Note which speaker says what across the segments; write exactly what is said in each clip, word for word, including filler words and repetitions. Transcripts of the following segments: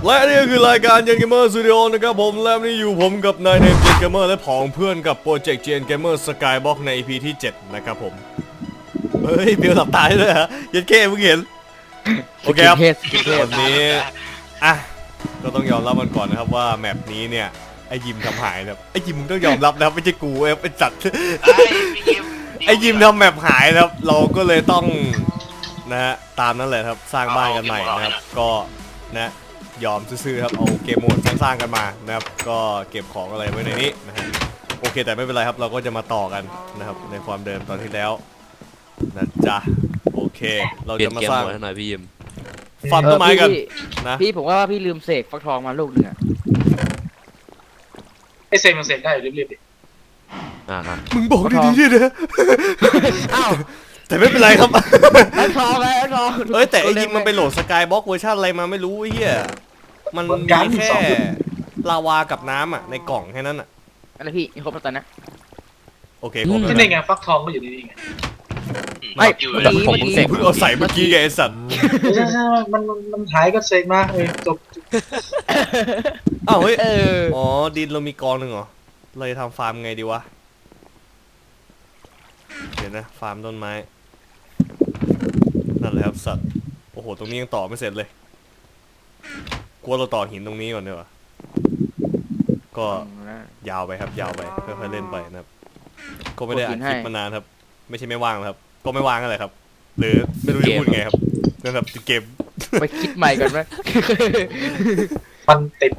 Speaker 1: และนี่ก็คือรายการเจนเกมเมอร์สตูดิโอนะครับผมและนี่อยู่ผมกับนายเนมเจนเกมเมอร์และผองเพื่อนกับโปรเจกต์เจนเกมเมอร์สกายบ็อกใน อี พี ที่เจ็ดนะครับผมเฮ้ยเบลหลับตาด้วยฮะยันเก้เพิ่งเห็นโอเคครับวันนี้อ่ะก็ต้องยอมรับมันก่อนนะครับว่าแมปนี้เนี่ยไอยิมทำหายนะครับไอยิมมึงต้องยอมรับนะครับไม่ใช่กูเอ้เป็นจัดไอยิมทำแมปหายนะครับเราก็เลยต้องนะฮะตามนั้นแหละครับสร้างบ้านกันใหม่นะครับก็นะยอมซื้อๆครับเอาเกมโหมดสร้างๆกันมานะครับก็เก็บของอะไรไว้ในนี้นะฮะโอเคแต่ไม่เป็นไรครับเราก็จะมาต่อกันนะครับในความเดิมตอนที่แล้วนะจ๊ะโอเคเราจะมาสร้างหน่อยพี่ยิมฟันต้นไม้กันนะ
Speaker 2: พี่ผมว่าพี่ลืมเสกฟักทองมาลูกนึงอะ
Speaker 3: ไอเซนมันเสกได้อยู่รีบๆดิ
Speaker 1: อ่ามึงบอกดีๆนะอ้าวแต่ไม่เป็นไรครับ
Speaker 2: ฟักทองไงฟักทอง
Speaker 1: เอ้ยแต่ไอ้ยิมมันไปโหลดสกายบ็อกเวอร์ชันอะไรมาไม่รู้ไอ้เหี้ยมันมีแค่ลาวากับน้ำอ่ะในกล่องแค่นั้นอ่ะ
Speaker 2: อะไรพี่ครบแล้วตอนนี้
Speaker 1: โอเคครบแล้ว
Speaker 3: นี่ไงฟักทองก็อยู่นี่ไง
Speaker 2: ไม่
Speaker 1: แต่ผมเสกเพิ่งเอาใส่เมื่อกี้ไงไอ้สัตว์
Speaker 3: ใช่ใช่มันมันหายก็เสกมาเออจบ
Speaker 1: อ้าวเฮ้ยอ๋อดินเรามีกองหนึ่งเหรอเลยทำฟาร์มไงดีวะเดี๋ยวนะฟาร์มต้นไม้นั่นแหละครับสัตว์โอ้โหตรงนี้ยังต่อไม่เสร็จเลยกลัวเราต่อหินตรงนี้ก่อนดีกว่าก็ยาวไปครับยาวไปค่อยๆเล่นไปนะครับก็ไม่ได้อัดคลิปมานานครับไม่ใช่ไม่ว่างครับก็ไม่ว่างอะไรครับหรือไม่รู้จะพูดไงครับนั่นครับติดเกม
Speaker 2: ไปคิดใหม่ก่อนไหม
Speaker 3: มันติด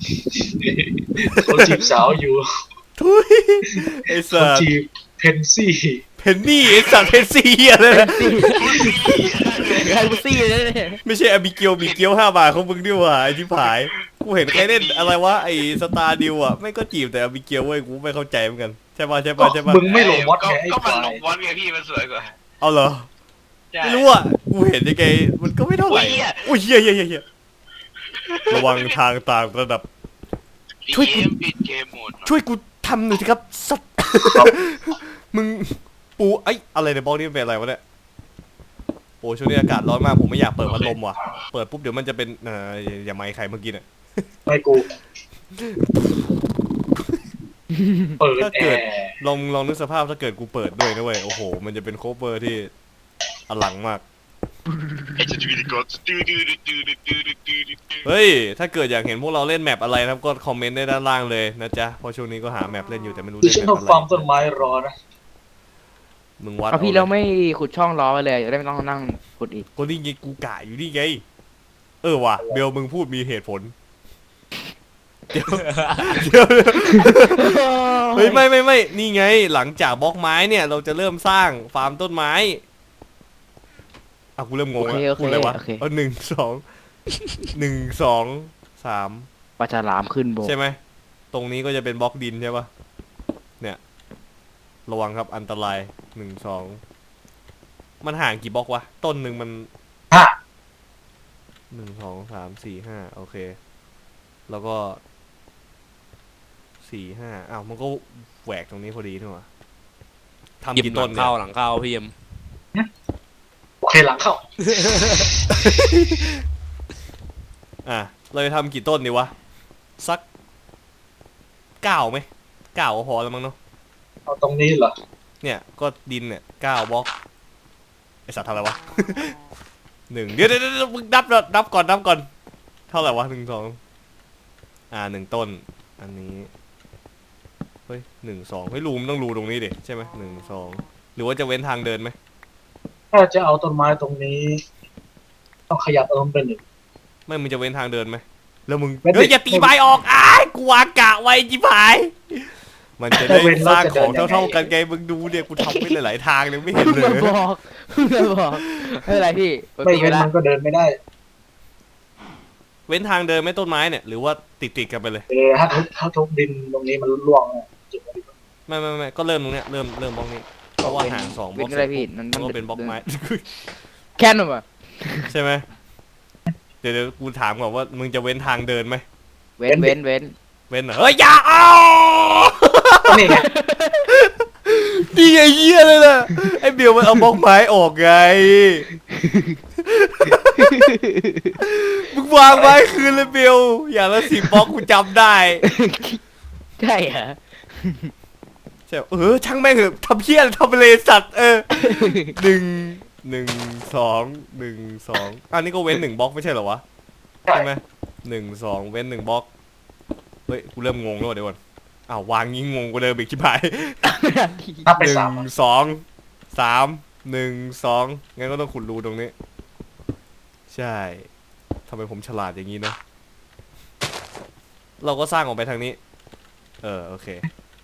Speaker 3: คนจีบสาวอยู่
Speaker 1: ทุยไอ้สัตว์
Speaker 3: จีบเพนซี่
Speaker 1: เพนนี่ไอ้สัตว์เพนซี่อะไรนะ
Speaker 2: เพนซี่เลย
Speaker 1: ไม่ใช่อบิเกียวบิเกียวห้าบาทของมึงด้วยว่ะไอ้ที่ผายกูเห็นใครเล่นอะไรวะไอ้สตาร์ดิวอ่ะไม่ก็จีบแต่อบิเกียวเว้ยกูไม่เข้าใจเหมือนกันใช่ป่ะใช่ป่ะใช่ป่ะ
Speaker 3: มึงไม่ลงมอสไง
Speaker 4: ก็มันลงมอสไงพี่มันสวยกว่า
Speaker 1: เอาเหรอไม่รู้อ่ะกูเห็นยังไงมันก็ไม่เท่าไหร่โอ้ยเฮียเฮียเฮียระวังทางต่างระดับช่วยกูช่วยกูทำหน่อยสิครับสัตว์มึงปูไอ้อะไรในบล็อกนี้เป็นอะไรวะเนี่ยโอ้ช่วงนี้อากาศร้อนมากผมไม่อยากเปิดพัดลมว่ะเปิดปุ๊บเดี๋ยวมันจะเป็นเอ่ออย่าไมค์ใครเมื่อกี้เนี่ย
Speaker 3: ไม่กูเปิด
Speaker 1: ถ้าเกิดลองลองนึกสภาพถ้าเกิดกูเปิดด้วยนะเว้ยโอ้โหมันจะเป็นโคเวอร์ที่อลังมากเฮ้ยถ้าเกิดอยากเห็นพวกเราเล่นแมปอะไรนะครับก็คอมเมนต์ได้ด้านล่างเลยนะจ๊ะเพราะช่วงนี้ก็หาแมปเล่นอยู่แต่ไม่รู้เล่นแมปอะไร
Speaker 3: ฟาร์มต้นไม้รอนะ
Speaker 1: มึงวัด
Speaker 2: เอาพี่เราไม่ขุดช่องล้อไปเลยจะได้ไม่ต้องนั่งขุดอีก
Speaker 1: ก็นี่ไงกูกะอยู่นี่ไงเออว่ะเบลมึงพูดมีเหตุผลเดี๋ยวเดี๋ยวเฮ้ยไม่ไม่ไม่นี่ไงหลังจากบล็อกไม้เนี่ยเราจะเริ่มสร้างฟาร์มต้นไม้อ่ะกูเริ่มงงแล้วพูดอะไรวะเออหนึ่งสองหนึ่งสองสาม
Speaker 2: ปลาฉลามขึ้นโบ
Speaker 1: ใช่ไหมตรงนี้ก็จะเป็นบล็อกดินใช่ปะเนี่ยระวังครับอันตรายหนึ่งสองมันห่างกี่บล็อกวะต้นหนึ่งมัน
Speaker 3: ห้า
Speaker 1: หนึ่งสองสามสี่ห้าโอเคแล้วก็สี่ห้าอ้าวมันก็แหวกตรงนี้พอดีนี่หว่าทำกี่ต้นเนี่ย
Speaker 4: เข้าหลังเข้าพี่เอ็ม
Speaker 3: โอเคหลังเข้า
Speaker 1: อ่ะเราจะทำกี่ต้นดีวะสักเก้าไหมเก้าพอแล้วมั้งเนาะ
Speaker 3: เอาตรงนี้เหรอ
Speaker 1: เนี่ยก็ดินเนี่ยเก้าบล็อกไอสัตว์ทำอะไรวะหนึ่งเดี๋ยวเดี๋ยวมึงนับนับก่อนนับก่อนเท่าไหร่วะหนึ่งสองอ่าหนึ่งต้นอันนี้เฮ้ยหนึ่งสองเฮ้ยรูมต้องรูตรงนี้ดิใช่ไหมหนึ่งสองหรือว่าจะเว้นทางเดินไหม
Speaker 3: ถ้าจะเอาต้นไม้ตรงนี้ต้องขยับเอาลงไปหนึ่ง
Speaker 1: ไม่มึงจะเว้นทางเดินไหมแล้วมึงเฮ้ยอย่าตีใบออกอ้ายกูวางกะไว้จิ๋พายมันจะได้สร้างของเท่าๆกันไงมึงดูเนี่ยกูทำไปหลายๆทางเลยไม่เห็นเลย
Speaker 2: บอกบอกไม่เป็นไรพี่
Speaker 3: ไม่เว้นมันก็เดินไม่ได้
Speaker 1: เว้นทางเดินไม่ต้นไม้เนี่ยหรือว่าติดติดกันไปเลย
Speaker 3: เออถ้าทุบถ้าทุบดินตรงนี้มันร่วง
Speaker 1: ไม่ไม่ไม่ก็เริ่มตรงเนี้ยเริ่มเริ่มบล็อกนี้เพราะว่าห่างสองบล็อกมันก็เป็นบล็อกไม้
Speaker 2: แค่นั้นป่ะ
Speaker 1: ใช่ไหมเดี๋ยวกูถามก่อนว่ามึงจะเว้นทางเดินไหม
Speaker 2: เว้นเว้นเว้น
Speaker 1: เว้นเหรอเฮ้ยอย่าเอา
Speaker 3: นี่ไง
Speaker 1: นี่ไงเหี้ยเลยล่ะไอ้เบลมันเอาบล็อกไม้ออกไงมึงวางไว้คืนเลยเบลอย่างละสิบบล็อกกูจำได้
Speaker 2: ใช่เหรอ
Speaker 1: ใช่เออช่างแม่งเถอะทำเพี้ยนทำไปเลยสัตว์เออหนึ่งหนึ่งสองหนึ่งสองอันนี้ก็เว้นหนึ่งบล็อกไม่ใช่เหรอวะใช่ไหมหนึ่งสองเว้นหนึ่งบล็อกเฮ้ยกูเริ่มงงแล้วเดี๋ยวก่อนอ้าววางงี้งงกูเลยบิ๊กชิบหาย
Speaker 3: นับไป
Speaker 1: หนึ่
Speaker 3: สาม
Speaker 1: ง
Speaker 3: อะ
Speaker 1: สองสามหนึ่งสองงั้นก็ต้องขุดรูตรงนี้ใช่ทำไมผมฉลาดอย่างนี้เนอะเราก็สร้างออกไปทางนี้เออโอเค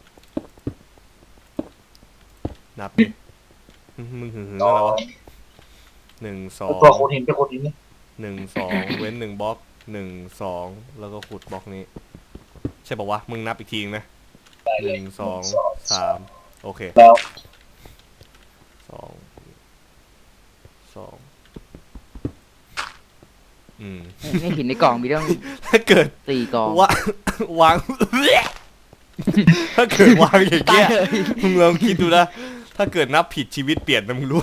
Speaker 1: นับดิมึงหึงหึง
Speaker 3: สอ
Speaker 1: อะไร
Speaker 3: ง
Speaker 1: วะหนึ่งสอง
Speaker 3: ตัวโคดหินไปโคดหินนี่
Speaker 1: หนึ่งสองเว้นหนึ่งบล็อกหนึ่งสองแล้วก็ขุดบล็อกนี้ใช่ปะวะมึงนับอีกทีนะ
Speaker 3: ได้
Speaker 1: ห
Speaker 3: เลย
Speaker 1: นึ่งสองสามโอเค
Speaker 3: แล้ว
Speaker 1: สองสองอืม
Speaker 2: ในหินในกล่องมีต้อง
Speaker 1: ถ้าเกิด
Speaker 2: สี่กล่อง
Speaker 1: วางวาง ถ้าเกิดวางอย่าง
Speaker 2: ตา
Speaker 1: เงี้
Speaker 2: ย
Speaker 1: ย
Speaker 2: เลย
Speaker 1: มึงลองคิดดูนะถ้าเกิดนับผิดชีวิตเปลี่ยนนะมึงรู้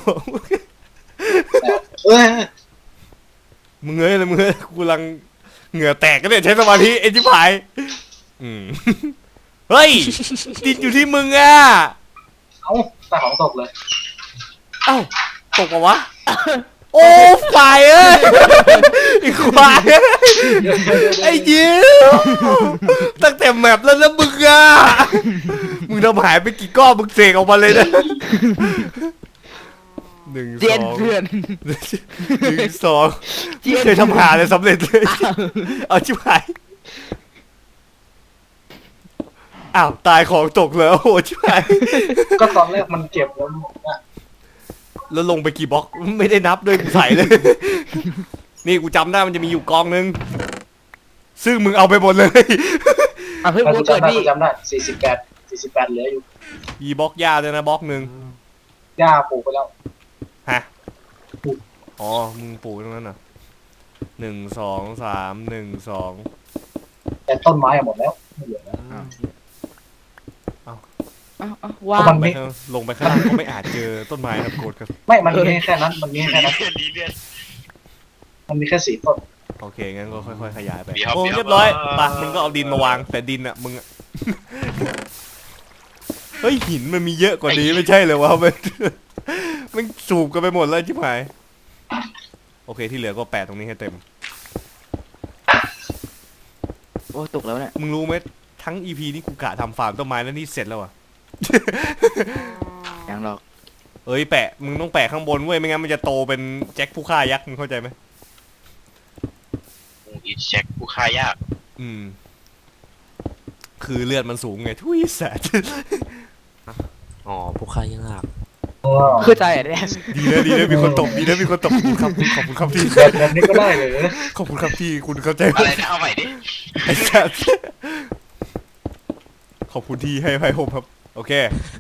Speaker 3: เอ้ย
Speaker 1: มึงเอ้ยเลยมึงเอ้ยกูกำลังเหงื่อแตกก็เนี่ยใช้สมาธิไอ้ชิบหายอืมเฮ้ยติดอยู่ที่มึงอ่ะ
Speaker 3: เอ้าตาของตกเลย
Speaker 1: เอ้าตกปะวะโอ้ฝ่ายเอ้ยไอ้ควายเอ้ยไอ้ยิ้วตั้งแต่แมปแล้วนะมึงอ่ะมึงทำหายไปกี่ก้อนมึงเสกออกมาเลยนะหนึ่ง
Speaker 2: เจี
Speaker 1: ส
Speaker 2: ยน
Speaker 1: อง
Speaker 2: เพื่อน
Speaker 1: หนึ่งสอง
Speaker 2: เจียน
Speaker 1: ไม่เคยทำหาเลยสำเร็จเลยเอาชิบหายอ้าวตายของตกแล้วโอ้ชิบหาย
Speaker 3: ก็ตอนแรกมันเก็บแล้วหมดอะ
Speaker 1: แล้วลงไปกี่บล็อกไม่ได้นับด้วยกูใส่เลย นี่กูจำได้มันจะมีอยู่กองนึงซึ่งมึงเอาไปหมดเลย
Speaker 2: อ่ะเฮ้ย
Speaker 3: แล้ว
Speaker 2: กู
Speaker 3: กู
Speaker 2: เกิด
Speaker 3: จำได้
Speaker 2: พี่
Speaker 3: กูจำได้สี่สิบแปดสี่สิบแปดเหลืออยู่
Speaker 1: มีบล็อกหญ้าด้วยนะบล็อกหนึ่ง
Speaker 3: หญ้าปลูกไปแล้ว
Speaker 1: ฮะอ๋อมึงปลูกตรงนั้นเหรอหนึ่งสองสามหนึ่งสอง
Speaker 3: แต่ต้นไม้อะหมดแล้วไม่เหลือแล้ว
Speaker 2: เอ้าเอ้าว่าง
Speaker 3: มัน
Speaker 1: ไป
Speaker 3: มี
Speaker 1: ข้างลงไปข้างล่างก็ไม่อาจเจอต้นไม้ครับโกรธครับ
Speaker 3: ไม่มันมีแค่นั้นมันมีแค่นั้น
Speaker 4: เลือดดีเลือด
Speaker 3: มันมีแค่สี่ต้น
Speaker 1: โอเคงั้นก็ค่อยๆขยายไป
Speaker 4: เดี๋ยว
Speaker 1: โอ้
Speaker 4: เดี๋ยว
Speaker 1: เรียบร้อยไปมึงก็เอาดินมาวางแต่ดินอ่ะมึงอะ เฮ้ยหินมันมีเยอะกว่านี้ไม่ใช่เลยวะ มันมันสูบกันไปหมดแล้วชิบหายโอเคที่เหลือก็แปะตรงนี้ให้เต็ม
Speaker 2: โอ้ตกแล้วเนี่ย
Speaker 1: มึงรู้ไหมทั้ง อี พี นี่กูกะทำฟาร์มต้นไม้แล้วนี่เสร็จแล้วอ่ะ
Speaker 2: ยังหรอก
Speaker 1: เอ้ยแปะมึงต้องแปะข้างบนเว้ยไม่งั้นมันจะโตเป็นแจ็คผู้ฆ่ายักษ์มึงเข้าใจไหม
Speaker 4: อีเช็คผู้ฆ่ายาก
Speaker 1: อืม คือเลือดมันสูงไงทุยแสด
Speaker 5: อ๋อผู้ค่ายาก
Speaker 2: เข้าใจอ่ะเนี่ย
Speaker 1: ดีนะดีนะมีคนตบดีนะมีคนตบขอบคุณครับขอบคุณครับที่
Speaker 3: แบบแบบนี้ก็ได้เลย
Speaker 1: ขอบคุณครับที่คุณเข้าใจ
Speaker 4: อะไรนะเอาใหม่ดิ
Speaker 1: ไอ้สัสขอบคุณที่ให้ให้ผมครับ โอเค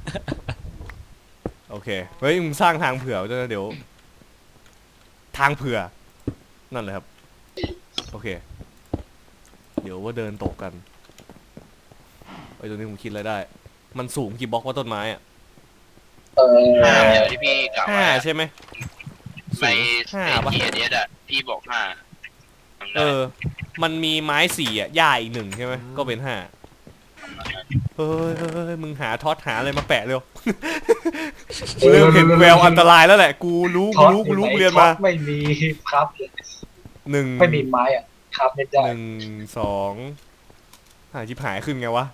Speaker 1: โอเคเฮ้ยมึงสร้างทางเผื่อด้วยนะเดี๋ยว ทางเผื่อนั่นเลยครับ โอเค เดี๋ยวว่าเดินตกกันไอ้ยตรงนี้ผมคิดอะไรได้ มันสูงกี่บล็อกว่าต้นไม้อะ
Speaker 3: เออ
Speaker 4: ห้าเดี๋ยวที่พี่กล่าว
Speaker 1: ห้า
Speaker 4: ไว้
Speaker 1: ใช่ไหม
Speaker 4: ใน
Speaker 1: ห้า
Speaker 4: ใน
Speaker 1: ปะ
Speaker 4: เกียร์เนี้ยอะพี่บอกห้าจำได้
Speaker 1: เออ มันมีไม้สี่อ่ะหญ้าอีกหนึ่งใช่ไหมก็เป็นห้าเฮ้ยเฮ้ยเฮ้ยมึงหาท็อตหาอะไรมาแปะเร็ว กูเริ่มเห็นแววอันตรายแล้วแหละ กูรู้กูรู้กูรู้กูเรียนมา
Speaker 3: ท็อตไม่มีครับเลย
Speaker 1: หนึ่ง
Speaker 3: ไม่มีไม้อ่ะครับไม่ได้
Speaker 1: หนึ่งสองหาชิบหายขึ้นไงวะ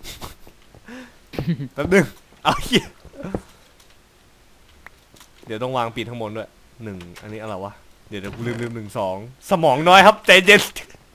Speaker 1: แป๊บนึงเอาเหี้ยเดี๋ยวต้องวางปิดข้างบนด้วยหนึ่งอันนี้อะไรวะ เดี๋ยวเดี๋ยวกูลืมลืมหนึ่งสองสมองน้อยครับใจเย็น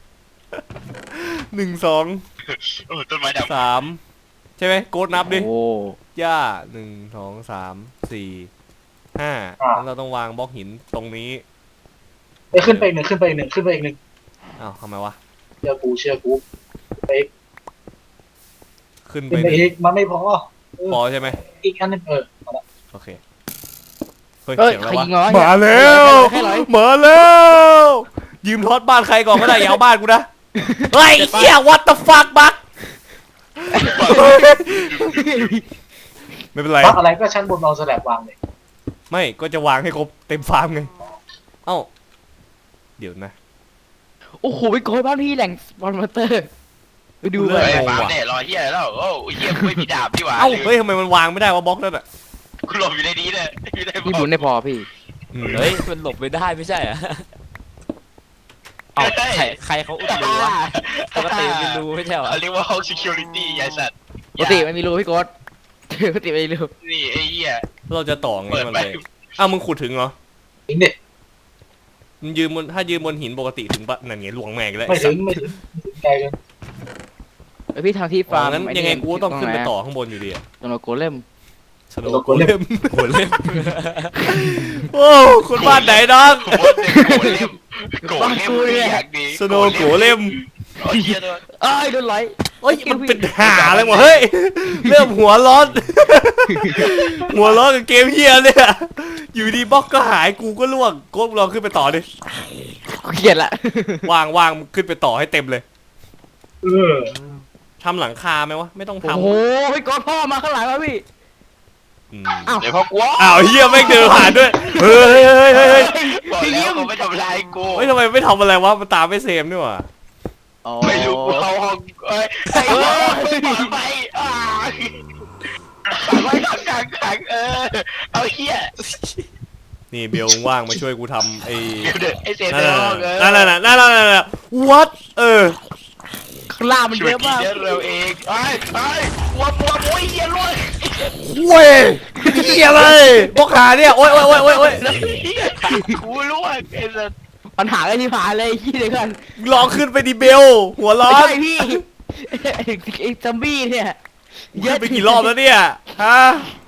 Speaker 1: หนึ่งสอง
Speaker 4: โอ้ต้นไม้ดำ
Speaker 1: สามใช่ไหมโกดนับดิ
Speaker 2: โอ้
Speaker 1: ย่าหนึ่งสองสามสี่ห้าแล้วเราต้องวางบล็อกหินตรงนี้
Speaker 3: เอ้ยขึ้นไปอีกหนึ่งขึ้นไปอีกหนึ่งขึ้นไปอีกหนึ่ง
Speaker 1: อ้าวทำไมวะ
Speaker 3: เชื่อกูเชื่อกูไปอีก
Speaker 1: ขึ้นไป
Speaker 3: ขึ้นไปอีกมันไม่พอ
Speaker 1: พอใช่ไหม
Speaker 3: อีกอันหนึงเออเอาละ
Speaker 1: โอเคเฮ้ย
Speaker 2: เอ้ย
Speaker 1: เสียงอะไร
Speaker 2: ใคร
Speaker 1: วะ
Speaker 2: ยิงง้อ
Speaker 1: มาแล้ว
Speaker 2: ให้ร้อย
Speaker 1: มาแล้วยืมทอดบ้านใครก่อนก็ได้อย่าเอาบ้านกูนะเฮ้ยเหี้ย what the fuck บักไม่เป็นไร
Speaker 3: พักอะไรก็ชั้นบนเอาสแลบวางเลย
Speaker 1: ไม่ก็จะวางให้ครบเต็มฟาร์มไงเอ้าเดี๋ยวนะ
Speaker 2: โอ้โหไปโกยบ้านพี่แหล่งสปอนเตอร์ไปดู
Speaker 1: เล
Speaker 2: เลย
Speaker 4: เฮ้ย
Speaker 1: งง
Speaker 4: ฟาร์ม
Speaker 1: ว่ะ
Speaker 4: เนี่ยรอเฮียแล้วโอ้ยเฮียกูไม่มีดาบดีกว่า
Speaker 1: เอ้าเฮ้ยทำไมมันวางไม่ได้วะบล็อกนั่นอ่ะ
Speaker 4: กูหลบอยู่ในนี้เลยอยู่ใน
Speaker 2: พี่บุญได้พอพี่
Speaker 1: อืม
Speaker 5: เฮ้ยมันหลบไม่ได้ไม่ใช่เหรอเอาใครใครเขาอุดรูวะปกติมันเป็นรูไม่ใช่เหรอ
Speaker 4: เขาเรียกว่าห้อง security ไอ้สัตว์
Speaker 2: ปกติไม่มีรูพี่โกดปกติไม่มีรู
Speaker 4: นี่ไอ้เหี้ย
Speaker 1: เราจะต่อไง
Speaker 4: เปิด
Speaker 1: มัน
Speaker 4: ไป
Speaker 1: เลยอ้าวมึงขุดถึงเหรอ
Speaker 3: ถึงเนี่ย
Speaker 1: มึงยืนบนถ้ายืนบนหินปกติถึงปะนั่นไงหลวงแม่งแล้ว
Speaker 3: ไม่
Speaker 1: ไอ้สั
Speaker 3: ถึ
Speaker 1: ต
Speaker 3: ง
Speaker 1: ว์
Speaker 3: ไม่ถึงไม่ถึงไกลกัน
Speaker 2: เอ้ยพี่ทำที่
Speaker 1: อ๋
Speaker 2: ฟา
Speaker 1: อ
Speaker 2: ร์ม
Speaker 1: งั้นยังไงกูก็ต้องขึ้นไปต่อข้างบนอยู่ดีอะ
Speaker 2: ตรงโกเล่ม
Speaker 1: สโนว์โกเลมโกเลมโอ้คนบ้านไหนน้อง
Speaker 4: โกรธเล่มโกรธเล่มนี่อย่างดี
Speaker 1: สโนว์โกเลม
Speaker 4: โอ้ยเหี้ยตัว
Speaker 2: เอ้ยโดนไหล
Speaker 1: เอ้ยมันเป็นหาอะไรวะเฮ้ยเริ่มหัวร้อน หัวร้อนกับเกมเฮียเนี่ยอยู่ดีบล็อกก็หายกูก็ล่วงโก้ลองขึ้นไปต่อดิ
Speaker 2: กูเกลียดละ
Speaker 1: วางวางขึ้นไปต่อให้เต็มเลย
Speaker 3: เออ
Speaker 1: ทำหลังคาไหมวะไม่ต้อง
Speaker 2: โอ้
Speaker 1: ทำ
Speaker 2: โหพี่โกดพ่อมาข้างหลังแล้วพี่
Speaker 1: อืม
Speaker 2: อ้าว
Speaker 4: เดี๋ยวพอกลัว
Speaker 1: อ้าวเฮียไม่งเดินผ่านด้วยเฮ้ยเฮ้ยเฮ้ยเฮ้ย
Speaker 4: บอกแล้วเขาไม่ทำร้ายกู
Speaker 1: เฮ้ยทำไมไม่ทำอะไรวะมันตามไม่เซมนี่หว่า
Speaker 2: อ๋อ
Speaker 4: ไม่รู้กูเข้าห้องเอ้ยไอ้เหี้ยเปิดไปอ่าขังไว้ขังขังขังเออเอาเหี้ย
Speaker 1: นี่เบลว่างมาช่วยกูทำไอ้
Speaker 4: เดี๋ยวเดี๋ยวไอ้เซน
Speaker 1: นั่น
Speaker 4: ใน
Speaker 1: น่ะ
Speaker 4: ห้องเออ
Speaker 1: นั่นน่ะนั่นน่ะนั่นน่ะ what เออ
Speaker 2: ข้างล่างมัน
Speaker 4: ช่
Speaker 2: เย
Speaker 4: วย
Speaker 2: อะ
Speaker 4: กิน
Speaker 2: มาก
Speaker 4: เดี๋ยวเราเองไอ้ไอ้วัววัวโอ้ยเหี้ยรวย
Speaker 1: เว้ยเฮียเลยบล็อกหาเนี่ยโอ๊ยโอ๊ยโอ๊ยโอ๊ยโอ๊ย
Speaker 4: กูรู้ว่าไอ้สัส
Speaker 2: ปัญหาอะไรที่ผ่านเลยขี้เลยกัน
Speaker 1: ลองขึ้นไปดิเบลหัวร้อ
Speaker 2: ไม่
Speaker 1: น
Speaker 2: ใช่พี่ไอ้ซัมบี้เนี่ย
Speaker 1: ขึ้นไปกี่รอบแล้วเนี่ยฮะ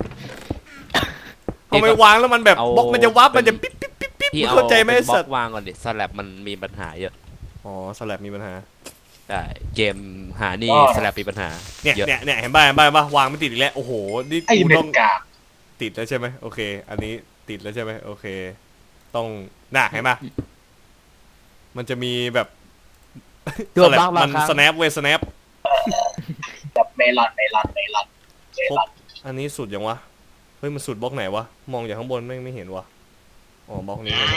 Speaker 1: ทำไมวางแล้วมันแบบบล็อกมันจะวับมันจะปิ๊บปิ๊บปิ๊บปิ๊บ
Speaker 5: พี่
Speaker 1: มึง
Speaker 5: เอา
Speaker 1: เข้าใจไหม
Speaker 5: เป็
Speaker 1: ไอ้
Speaker 5: นบล็
Speaker 1: สั
Speaker 5: อ
Speaker 1: ต
Speaker 5: ก
Speaker 1: ว์
Speaker 5: วางก่อนดิสลับมันมีปัญหาเยอะ
Speaker 1: อ๋อสลับมีปัญหา
Speaker 5: ใช่เกมหานี่สลับมีปัญหา
Speaker 1: เนี่ย
Speaker 5: เยอะ
Speaker 1: เนี่ยเนี่ยเห็นป่ะเห็นป่ะเห็นป่ะวางไม่ติดอีกแล้วโอ้โหนี่
Speaker 3: ไอ้
Speaker 1: กู
Speaker 3: เม็
Speaker 1: ต้อ
Speaker 3: ด
Speaker 1: ง
Speaker 3: กาก
Speaker 1: ติดแล้วใช่ไหมโอเค อันนี้ติดแล้วใช่ไหมโอเค ต้องน่ะเห็นป่ะมันจะมีแบบ
Speaker 2: โดนบ้างบาง
Speaker 1: มัน
Speaker 2: ครั้ง
Speaker 1: สแนปเว้ยสแนป
Speaker 3: แบบเมลอนเมลอนเมลอนเมลอน
Speaker 1: อันนี้สุดยังวะเฮ้ยมันสุดบล็อกไหนวะมองจากข้างบนไม่ไม่เห็นวะอ๋อบล็อกนี้ใช่ไหม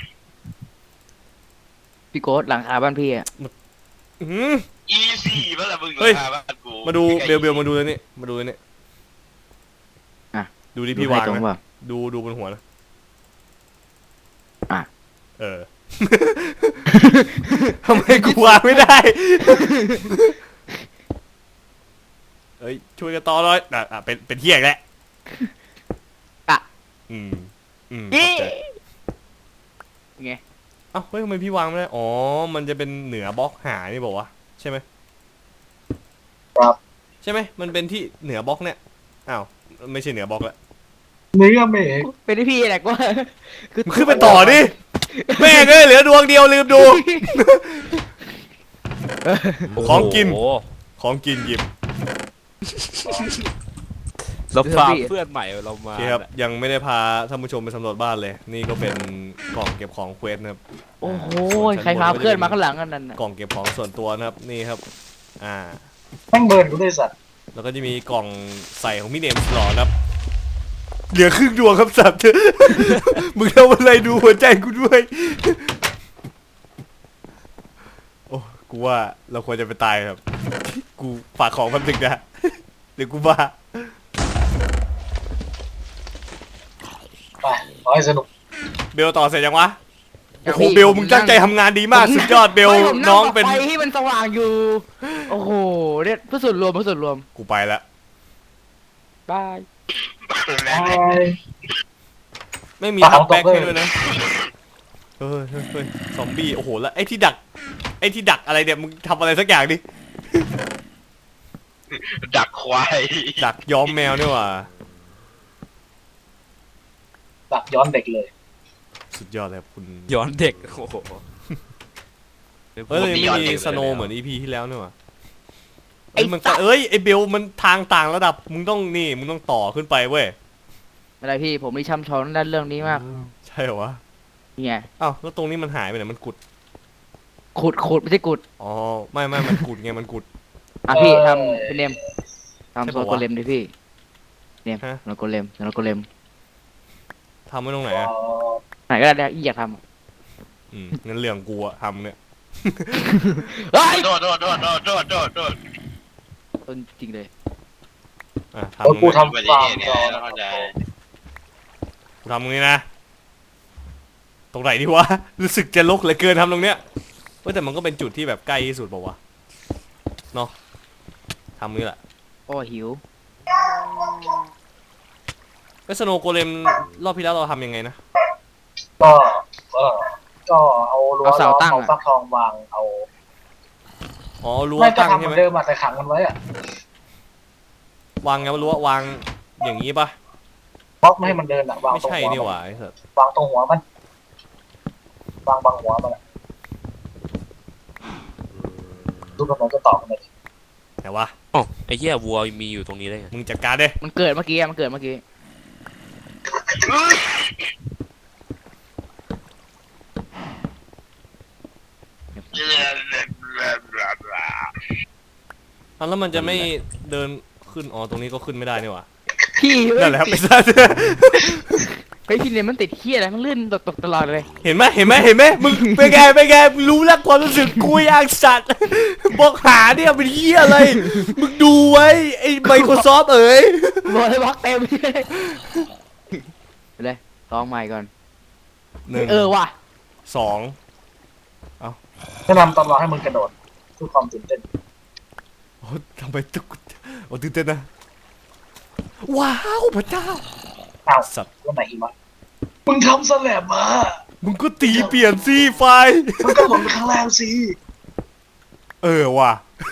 Speaker 2: พี่โกดหลังคาบ้านพี่อะ
Speaker 1: อื้อหือ
Speaker 4: อีซี่ป่ะล่ะมึง
Speaker 1: เฮ้ย
Speaker 4: ราคาบ้านกู
Speaker 1: มาดูเบลเบลมาดูเลยนี่มาดูเลยนี่
Speaker 2: อ่ะ
Speaker 1: ดูที่พี่วาง
Speaker 2: ตรง
Speaker 1: นะ
Speaker 2: เปล่า
Speaker 1: ดูดูบนหัวนะ
Speaker 2: อ่ะ
Speaker 1: เออ ทำไมกูวางไม่ได้ เอ้ยช่วยกันต่อหน่อยอ่ะอ่ะเป็นเป็นเที่ยงแล้ว
Speaker 2: อ่ะ
Speaker 1: อืมอืม
Speaker 2: อี
Speaker 1: เข้าใจ
Speaker 2: ไง
Speaker 1: เอ้าเฮ้ยทำไมพี่วางไม่ได้อ๋อมันจะเป็นเหนือบล็อกหานี่บอกว่าวะใช่ไหม
Speaker 3: ครับ
Speaker 1: ใช่ไหมมันเป็นที่เหนือบล็อกเนี่ยอ้าวไม่ใช่เหนือบล็อกละ
Speaker 3: เนื้อเมฆ
Speaker 2: เป็นที่พี่แหละก็
Speaker 1: มึงขึ้นไปต่อดิแม่งเอ้ยเหลือดวงเดียวลืมดู ของกิน
Speaker 5: โอ้โห
Speaker 1: ของกินหยิบ
Speaker 5: เราฟาร์มเพื่อนใหม่เรา
Speaker 1: โอ
Speaker 5: มา
Speaker 1: เคครับยังไม่ได้พาท่านผู้ชมไปสำรวจบ้านเลย นี่ก็เป็นกล่องเก็บของเควสนะครับ
Speaker 2: โอ้โห
Speaker 1: ส่วน
Speaker 2: ใครพา
Speaker 1: ชั้บ
Speaker 2: เพื่อนมาข้างหลังกันนั่นน่ะ
Speaker 1: กล่องเก็บของส่วนตัวนะครับนี่ครับ อ่า
Speaker 3: แม่งเบิร์นกูด้วยสัตว์
Speaker 1: แล้วก็จะมีกล่องใส่ของพี่เนมสลอนะครับ เหลือครึ่งดวงครับสัตว์ มึงทำอะไรดูหัวใจกูด้วย โอ้กูว่าเราควรจะไปตายครับ กูฝากของแป๊บนึงนะ เดี๋ยวกูบ้า
Speaker 3: ไปขอให้สนุก
Speaker 1: เบลต่อเสร็จยังวะ
Speaker 2: ยั
Speaker 1: โอ้
Speaker 2: ง
Speaker 1: โห
Speaker 2: พี่
Speaker 1: เบลมึงตั้งใจทำงานดีมากสุดยอดเบล
Speaker 2: ไม่ผม
Speaker 1: น้องเป็น
Speaker 2: ไฟที่มันสว่างอยู่ โอ้โหเนี่ยเพื่อส่วนรวมเพื่อส่วนรวม
Speaker 1: กูไปละ
Speaker 2: บาย
Speaker 3: ไป
Speaker 1: ไม่มี
Speaker 3: ปะ
Speaker 1: ทับแบ็ค
Speaker 3: เอาตกเลย
Speaker 1: ให้ด้วยนะเฮ้ยเฮ้ยเฮ้ยซอมบี้โอ้โหแล้วไอ้ที่ดักไอ้ที่ดักอะไรเนี่ยมึงทำอะไรสักอย่างดิ
Speaker 4: ดักควาย
Speaker 1: ดักย้อมแมวนี่หว่า
Speaker 3: ตักย้อนเด็กเลย
Speaker 1: สุดยอดเลยครับคุณ
Speaker 5: ย้อนเด็กโอ้โห
Speaker 1: เฮ้ยไม่มีสโนว์เหมือนอีพีที่แล้วนี่หว่าเอ้ยมันก็เอ้ยไอ้เบลมันทางต่างระดับมึงต้องนี่มึงต้องต่อขึ้นไปเว้ย
Speaker 2: ไม่ได้พี่ผมมีช่ำชองด้านเรื่องนี้มาก
Speaker 1: ใช่เหรอวะ
Speaker 2: นี่ไง
Speaker 1: อ้าวแล้วตรงนี้มันหายไปไหนมันกุด
Speaker 2: ขุดขุดไม่ใช่ขุด
Speaker 1: อ๋อไม่ไม่มันกุดไงมันกุด
Speaker 2: อ่ะพี่
Speaker 3: เอ่อ
Speaker 2: ทำเป็นเนมทำ
Speaker 1: ใช่
Speaker 2: โซ
Speaker 1: ปะวะ
Speaker 2: โกเลมดิพี่เนม
Speaker 1: ฮะ
Speaker 2: โซโกเลมโซโกเลม
Speaker 1: ทำไว้ตรงไหน
Speaker 3: เอ่
Speaker 1: อะ
Speaker 3: อ
Speaker 2: ไหนก็ได้อีอยากทำ
Speaker 1: อืมงั้นเรื่องกูอะทำเนี่ย
Speaker 2: เฮ้ย
Speaker 4: โดดโดดโดดโดดโดดโดดโดด
Speaker 2: ต้นจริงเลย
Speaker 1: อ่ะทำ
Speaker 3: แล้ว
Speaker 1: ตรง
Speaker 3: กู
Speaker 1: นี้
Speaker 3: ทำ
Speaker 4: อุบัติ
Speaker 3: ฟา
Speaker 4: เห
Speaker 3: ร์ม
Speaker 4: ตุไง
Speaker 3: ก่อน
Speaker 4: เข้าใจ
Speaker 1: กูทำตรงนี้นะตรงไหนดีวะรู้สึกจะลกเหลือเกินทำตรงเนี้ยเว้ยแต่มันก็เป็นจุดที่แบบใกล้ที่สุดเปล่าวะเนาะทำนี้แหละ
Speaker 2: โอ้หิว
Speaker 1: ไอ้สโนว์โกเลมรอบที่แล้วเราทำยังไงนะ
Speaker 3: ก็เออก็เอารั้วล้อมเอาฟักทองวางเอา
Speaker 1: อ๋อรั้ว
Speaker 3: ไม่ก็
Speaker 1: ตั้ง
Speaker 3: ทำเห
Speaker 1: ใช่
Speaker 3: มื
Speaker 1: ไห
Speaker 3: อ
Speaker 1: ม
Speaker 3: นเดิมอะแต่ขังมันไว้อะ
Speaker 1: วางไงวะรั้ววางอย่างนี้ปะ
Speaker 3: บล็อกไม่ให้มันเดินอะวาง
Speaker 1: ไม่
Speaker 3: ตรง
Speaker 1: ใช่
Speaker 3: หัว
Speaker 1: นี่ห
Speaker 3: มัน
Speaker 1: ว่าไอ้สัส
Speaker 3: วางตรงหัวมันวางบางหัวมันอะดูกำลังจะตอบมันเลย
Speaker 1: ไหนวะ
Speaker 5: อ๋อไอ้เหี้ยวัวมีอยู่ตรงนี้ได้ไง
Speaker 1: มึงจัดการดิ
Speaker 2: มันเกิดเมื่อกี้อะมันเกิดเมื่อกี้
Speaker 1: อ่ะแล้วมันจะไม่เดินขึ้นอ๋อตรงนี้ก็ขึ้นไม่ได้นี่หว่า
Speaker 2: พี่เอ้ย
Speaker 1: นั่นแหละครับ
Speaker 2: ติ
Speaker 1: ไอ้
Speaker 2: ด
Speaker 1: สัส
Speaker 2: เฮ้ยพี่เนี่ยมันติดเขี้ยอะไรมันลื่นตกตกตลอดเลย
Speaker 1: เห็นไหมเห็นไหมเห็นไหมมึงเป็นไงเป็นไงมึงรู้แล้วความรู้สึกกูอย่างสัตว์บอกหาเนี่ยเป็นเหี้ยอะไรมึงดูไว้ไอ้ Microsoft เอ๋ย
Speaker 2: บอกเลยบล็อกเต็มเลยไปเลยลองใหม่ก่อน
Speaker 1: หนึ่ง
Speaker 2: เออว่ะ
Speaker 1: สอง
Speaker 3: แนะนำตอนรอให้มึงกระโดดเพื่อความตื่นเต้น
Speaker 1: โอ้ทำไมตุกโอ้ตื่นเต้นนะว้าวพระเจ้า
Speaker 3: อ้าว
Speaker 1: สัตว์
Speaker 3: แล้วไหนหิมะมึงทำสแลบมา
Speaker 1: มึงก็ตีเปลี่ยนสิไฟ
Speaker 3: มึงก็หล่นไปข้างล่างสิ
Speaker 1: เออว่ะ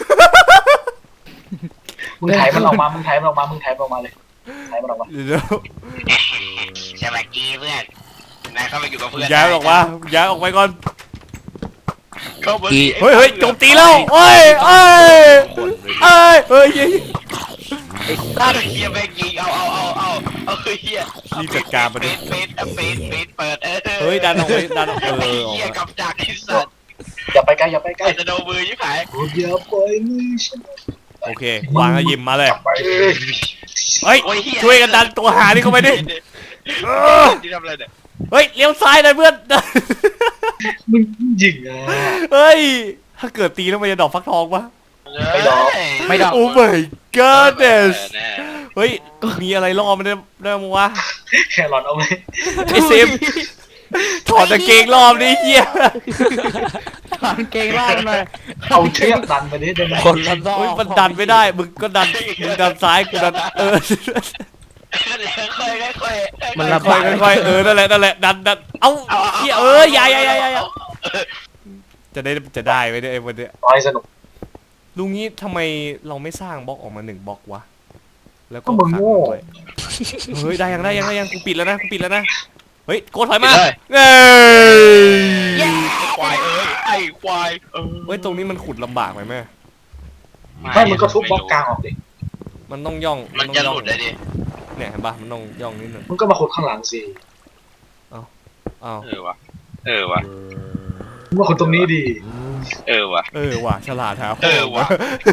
Speaker 3: มึงไถมันออกมามึงไถมันออกมามึงไถมันออกมาเลยไถมันออกมา
Speaker 1: เดี๋ยว
Speaker 4: สวัสดีเพื่อนนายเข้าไปอยู่กับเพื่อน
Speaker 1: ย้ายออกมาย้ายออกไปก่อน
Speaker 4: เข้ามา
Speaker 1: เฮ้ยเฮ้ยโจมตีแล้วเอ้ยเอ้ยเอ้ยเฮ้ยเฮ้ย
Speaker 4: ตั้งเฮียแม่งยิงเอาเอาเอาเอาเอาเฮีย
Speaker 1: รีบจัดการมัน
Speaker 4: เฟ
Speaker 1: ดิ
Speaker 4: สเฟสเฟสเฟสเปิดเออ
Speaker 1: เฮ้ยดันออกไปดันออกเออออก
Speaker 4: เฮีย
Speaker 1: มา
Speaker 4: กับจักรไอ้สัตว์
Speaker 3: อย่าไปใกล้อย่าไปใกล้
Speaker 4: ไอ้จะโดนมือยิ่งขาย
Speaker 3: อย่าไปมือฉัน
Speaker 1: โอเควางแล้วยิมมาเลย
Speaker 3: ไป
Speaker 1: เฮ้ย
Speaker 4: โอ้ยเฮีย
Speaker 1: ช่วยกันดันตัวหานี่เข้าไปดิเออ
Speaker 4: ที่ทำอะไรเนี่ย
Speaker 1: เฮ้ยเลี้ยวซ้ายหน่อยเพื่อน
Speaker 3: มึงยิงอ่ะ
Speaker 1: เฮ้ยถ้าเกิดตีแล้วมันจะดอกฟักทองปะ
Speaker 3: ไม่ดอก
Speaker 2: ไม่ดอก
Speaker 1: โอ้ my goodness
Speaker 4: แน่
Speaker 1: เฮ้ยมีอะไรล่อมันได้ได้มั้งวะ
Speaker 3: แครอทเอาไว้
Speaker 1: ไอเซมถอดตะเกงรอบนี้เฮีย
Speaker 2: ถอนเกงล่างหน่อย
Speaker 3: เอาเชือกดันไปดิได้ไหม
Speaker 5: คนละรอบ
Speaker 1: เฮ้ยมันดันไม่ได้ มึงก็ดัน มึงดันซ้าย กูดัน เออ
Speaker 4: ค่อยๆค่อยๆ
Speaker 2: มันระ
Speaker 1: ค่
Speaker 2: บา
Speaker 1: อย ยค่อยๆเออ นั่นแหละ นั่นแหละ ดันดันเอ้าเฮียเอออย่าอย่าอย่าอย่าอย่าจะได้ จะได้ไหมเนี่ยไอ้วันเนี้ย
Speaker 3: ร้อยสนุก
Speaker 1: ลุงนี้ทำไมเราไม่สร้างบล็อกออกมาหนึ่งบล็อกวะ แล้วก็
Speaker 3: ก็มึง
Speaker 1: ขัง
Speaker 3: โง่
Speaker 1: มันไว้เฮ้ย ได้ยังได้ยังได้ยัง กูปิดแล้วนะ กูปิดแล้วนะ เฮ้ย โกดถอยมา
Speaker 4: เลย
Speaker 1: เอ้ย
Speaker 4: ควายเอ้ยไอ้ควายเออ
Speaker 1: เฮ้ย ตรงนี้มันขุดลำบากไหมแม่
Speaker 3: ไม่มึงก็ทุบบล็อกกลางออกดิ
Speaker 1: มันต้องย่อง
Speaker 4: มัน
Speaker 1: ต้อง
Speaker 4: จะ
Speaker 1: ย่
Speaker 4: ห
Speaker 1: อง
Speaker 4: ลุดเลยดิ
Speaker 1: เนี่ยเห็นปะมันต้องย่องนิดนึง
Speaker 3: มึงก็มาขุดข้างหลังสิ
Speaker 1: อ้าว
Speaker 4: เออวะเออวะ
Speaker 3: มึงมาขุดตรงนี้ดิ
Speaker 4: เออวะ
Speaker 1: เออว่ะฉลาดครับ
Speaker 4: เออว่ะ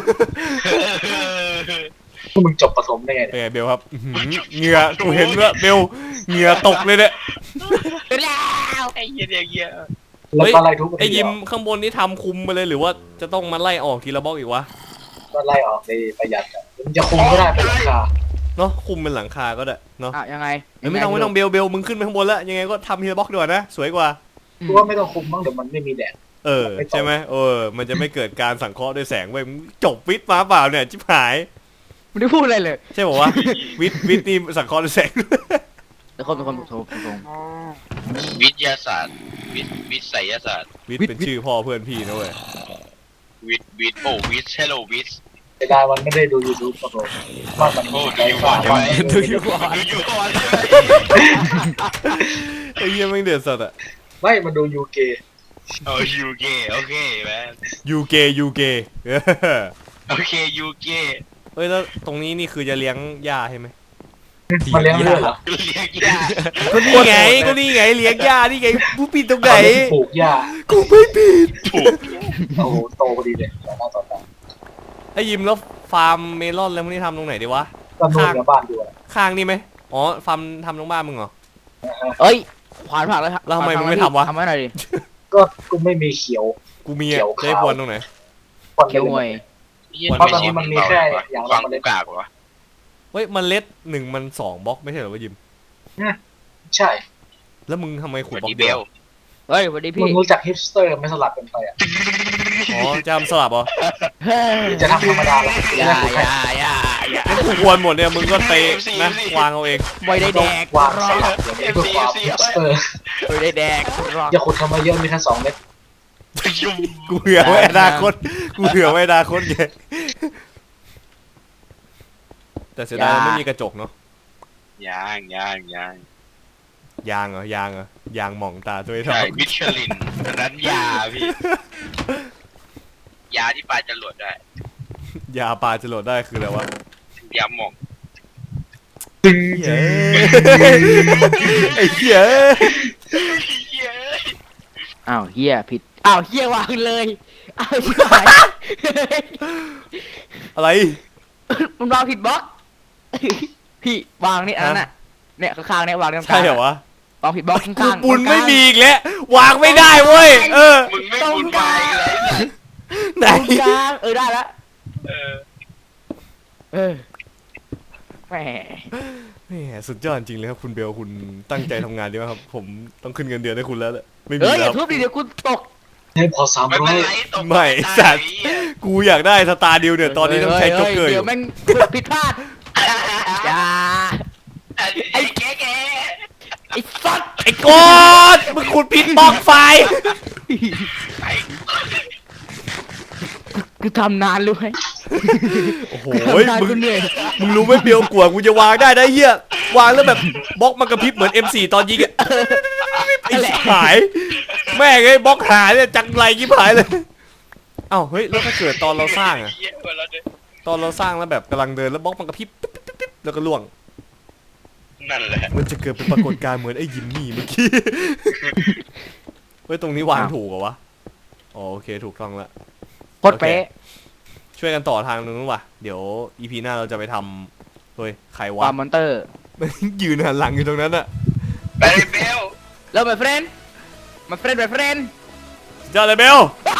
Speaker 3: พวกมึงจบประถมได้ไง
Speaker 1: เอ้ยเบลครับอื้อหือเหงื่อกูเห็นว่าเบลเหงื่อตกเลยเนี่ย
Speaker 4: ไอ้เหี้ยเหี้ย
Speaker 3: แล้วก็ไล่ทุบไป
Speaker 1: ไอ้
Speaker 3: ทีเดี
Speaker 1: ยิ
Speaker 3: ยว
Speaker 1: มข้างบนนี่ทำคุมไปเลยหรือว่าจะต้องมาไล่ออกทีละบล็อกอีกวะ
Speaker 3: ก็ไล่ออกในประหยัดอะมึงจะคุมก็ได้เป็นราคา
Speaker 1: เนาะคุมเป็นหลังคาก็ได้เนาะ
Speaker 2: อ่ะยังไง
Speaker 1: เอ้ยไม่ต้องไม่ต้องเบลเบลมึงขึ้นไปข้างบนแล้วยังไงก็ทำทีละบล็อกดีกว่านะสวยกว่า
Speaker 3: กูว่าไม่ต้องคุมบ้างเดี๋ยวมันไม่มีแดด
Speaker 1: เออใช่ไหมเออมันจะไม่เกิดการสังเคราะห์ด้วยแสงเว้ยมึงจบวิทย์มาเปล่าเนี่ยชิบหาย
Speaker 2: ไม่ได้พูดอะไรเลย
Speaker 1: ใช่บอกว่าวิทย์วิทย์นี่สังเคราะห์ด้วยแสง
Speaker 2: แต่คนเป็นคนโทรตรง
Speaker 4: วิทยาศาสตร์วิทวิทยาศาสตร์
Speaker 1: วิทย์เป็นชื่อพ่อเพื่อนพี่นะเว้ย
Speaker 4: วิทวิทโอ้วิทเฮลโลวิท
Speaker 3: เวลามันไม่ได้ดู YouTube ประถมว่ามัน
Speaker 4: โอ้
Speaker 3: มี
Speaker 4: ดู
Speaker 3: ใจ
Speaker 4: อยู่ก่
Speaker 3: ฟ้า
Speaker 4: อนใช่ไหม
Speaker 1: ดูอยู่ก่อน
Speaker 4: ดูอยู่ก่อนใช่ไหม
Speaker 1: ไอ้เหี้ยแม่งเดือดสัตว์อะ
Speaker 3: ไม่มันดูยูเก
Speaker 4: โอ้ยูเกโอเคแมน
Speaker 1: ยูเกยูเก
Speaker 4: โอเคยูเก
Speaker 1: เฮ้ยแล้วตรงนี้นี่คือจะเลี้ยงหญ้าใช่ไหม
Speaker 3: มันเลี้ยงเลือดเหรอ
Speaker 4: เรียกยาก
Speaker 1: ก็นี่ไงก็นี่ไงเลี้ยงหญ้านี่ไงผู้ปิดตรงไหน
Speaker 3: ปลูกหญ้า
Speaker 1: กูไม่ปิด
Speaker 4: ถูก
Speaker 3: โอ้โหโตพอดีเลยต่อหน้าต่อตา
Speaker 1: ไอ้ยิมแล้วฟาร์มเมลอนแล้วพวกนี้ทำตรงไหนดีวะ
Speaker 3: ก็นู่นกับบ้านอยู่อะ
Speaker 1: ข้างนี่ไหมอ๋อฟาร์มทำตรงบ้านมึงเหรอ
Speaker 2: ๆเอ้ยขวานผักแล้ว
Speaker 1: แล้วทำไมมึงไม่ทำวะ
Speaker 2: ทำไว้หน่อยดิ
Speaker 3: ก็กูไม่มีเขียว
Speaker 1: กูมี
Speaker 3: เขี
Speaker 1: อะ
Speaker 3: ยว
Speaker 1: จะให้
Speaker 3: ขาว
Speaker 1: ควรตรงไหน
Speaker 3: คน
Speaker 2: เขียวหวย
Speaker 3: เพราะตอนนี้มันมีแค่อย่างละ
Speaker 4: วาง
Speaker 3: เมล็ด
Speaker 4: กากวะ
Speaker 1: เฮ้ยมันเล็ดหนึ่งมันสองบล็อกไม่ใช่เหรอวะยิม
Speaker 3: ใช่
Speaker 1: แล้วมึงทำไมขุด
Speaker 4: วัน
Speaker 1: บล็อก
Speaker 4: นี้เบ
Speaker 1: เดียว
Speaker 4: ล
Speaker 2: เฮ้ยสวัสดี
Speaker 3: มึ
Speaker 2: พี่
Speaker 3: งรู้จักฮิปสเตอร์ไม่สลับกันไปอ่ะ
Speaker 1: อ๋อจะทำสลับเหรอ
Speaker 2: เฮ้ย
Speaker 3: จะทำธรรมดาหรอ
Speaker 2: อย่าอย่าอย่าอย่า
Speaker 1: งั้นกูควรหมดเนี่ยมึงก็เตะนะวางเอาเอง
Speaker 2: ไม่ได้แดก
Speaker 3: วางสลับอย่างนี้เพื่อความฮิปสเตอร์
Speaker 2: ไม่ได้แดกรอก
Speaker 3: อย่าขุดทำมาเยอะมีแค่สองเม็ด
Speaker 4: ยุ่ง
Speaker 1: กูเผื่อไว้อนาคตกูเผื่อไว้อนาคตไงแต่เสียดายไม่มีกระจกเนาะ
Speaker 4: ยางยางยาง
Speaker 1: ยางเหรอยางเหรอยางหม่องตาตัวไอ้ทอ
Speaker 4: ใช่
Speaker 1: ง
Speaker 4: มิชลินอันนั้นยาพี่ ยาที่ปลาจะหลดได้
Speaker 1: ยาปลาจะโหลดได้คืออะไรวะ
Speaker 4: ยาหมอง
Speaker 3: ตึง
Speaker 1: เฮ้ยไอ้เหี้ย
Speaker 2: อ้าวเฮียผิดอ้าวเฮียวางเลยอ้าวชิบหาย
Speaker 1: อะไร
Speaker 2: มันวางผิดบล็อกพี่วางนี่อันนั้นน่ะเนี่ยข้างๆเนี่ยวางตรงกลาง
Speaker 1: ใช่เหรอวะ
Speaker 2: วางผิดบล็อกข้างๆ
Speaker 1: กูปุน
Speaker 2: ตรงกลาง
Speaker 1: ไม่มีอีกแล้ววางไม่ได้เว้ยเออ
Speaker 4: มึงไม่บุญไปเลย
Speaker 1: ไหน
Speaker 2: ตรงกลางเออได้แล้ว
Speaker 4: เออ
Speaker 2: เออแหม
Speaker 1: แหมสุดยอดจริงเลยครับคุณเบลคุณตั้งใจทำงานดีมากครับผมต้องขึ้นเงินเดือนให้คุณแล้วแหละไม่มี
Speaker 2: เอ้ยอ
Speaker 1: แล้
Speaker 2: ย่าว ทุบดิเดี๋ยวกูตก
Speaker 3: ให้พอสาม
Speaker 4: ไม่
Speaker 3: ร้อ
Speaker 4: เป็น
Speaker 3: ย
Speaker 4: ไรตก
Speaker 1: ไม่สัตว์กูอยากได้สตาร์ดิวเนี่ยตอนนี้ต้องใช้โจ๊กเกอร์อ
Speaker 2: เดี๋ย
Speaker 1: ยู่
Speaker 2: วแม่งผิดพลาดอย่า
Speaker 4: ไอ้แก่แก่
Speaker 2: ไอ้สัตว์
Speaker 1: ไอ้กอดมึงขุดผิดบล็อกไฟ
Speaker 2: กูทำนานรู้ไหม
Speaker 1: โอ้โห
Speaker 2: กูทำนาน
Speaker 1: มึง
Speaker 2: กูเหนื่อย
Speaker 1: มึงรู้ไหมเบลกลัวกูจะวางได้ได้เหี้ยวางแล้วแบบบล็อกมันกระพริบเหมือน เอ็ม โฟร์ ตอนยิงอะไอ้ชิบหายแม่งไอ้บล็อกหายเนี่ยจังไรยิบหายเลยเอ้าเฮ้ยแล้วถ้าเกิดตอนเราสร้างอะตอนเราสร้างแล้วแบบกำลังเดินแล้วบล็อกมันกระพริบปิ๊บปิ๊บปิ๊บแล้วก็ล่วง
Speaker 4: นั่นแหละ
Speaker 1: มันจะเกิดเป็นปรากฏการณ์เหมือนไอ้ยิมมี่เมื่อกี้เฮ้ยตรงนี้วางถูกเหรอวะอ๋อโอเคถูกต้องละ
Speaker 2: โคตรเป๊ะ
Speaker 1: ช่วยกันต่อทางนึงว่ะเดี๋ยวอีพีหน้าเราจะไปทำเฮ้ยใคร
Speaker 2: คว
Speaker 1: ะ
Speaker 2: วามมอนเตอร์
Speaker 1: ยืนหันหลังอยู่ตรงนั้นอะ
Speaker 4: ไปเบล
Speaker 2: แล้ว my friend my friend my friend
Speaker 1: เจ้าอะไรเบล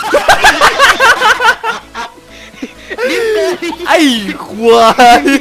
Speaker 2: ดิฟเกิน
Speaker 1: ไอ้ควาย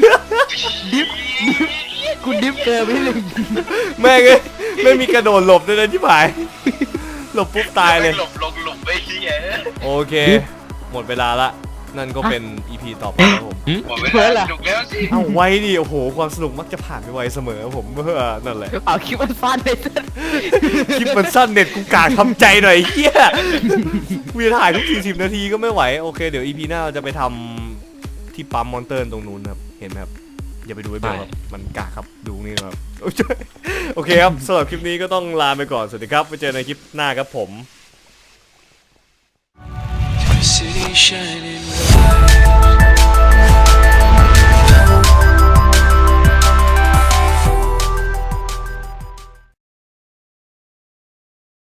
Speaker 2: กูดิฟเกินไปหนึ่ง
Speaker 1: แม่งเอ้ยไม่มีกระโดดหลบด้วยนะที่ผายหลบปุ๊บตายเลย
Speaker 4: หลบลงหลุมไปเฮีย
Speaker 1: โอเค หมดเวลาละ นั่นก็เป็น อี พี ต่อไปครับผม
Speaker 4: หมดเวลาถูกแล้วสิ
Speaker 1: เอาไว้ดิโอ้โห ความสนุกมักจะผ่านไปไวเสมอครับผมเมื่อนั่นแหละ
Speaker 2: เอาคลิปมันฟันเลยสัส
Speaker 1: คลิปมันสั้นเน็ตกูกากทำใจหน่อยเฮียวีถ่ายทุกสี่สิบนาทีก็ไม่ไหว โอเค เดี๋ยว อี พี หน้าเราจะไปทำที่ปั๊มมอนเตอร์ตรงนู้นครับ เห็นไหมครับ อย่าไปดูไอ้เบลครับมันกากครับ ดูนี่ครับ โอเคครับสำหรับคลิปนี้ก็ต้องลาไปก่อน สวัสดีครับ ไปเจอในคลิปหน้าครับผม
Speaker 6: City shining bright.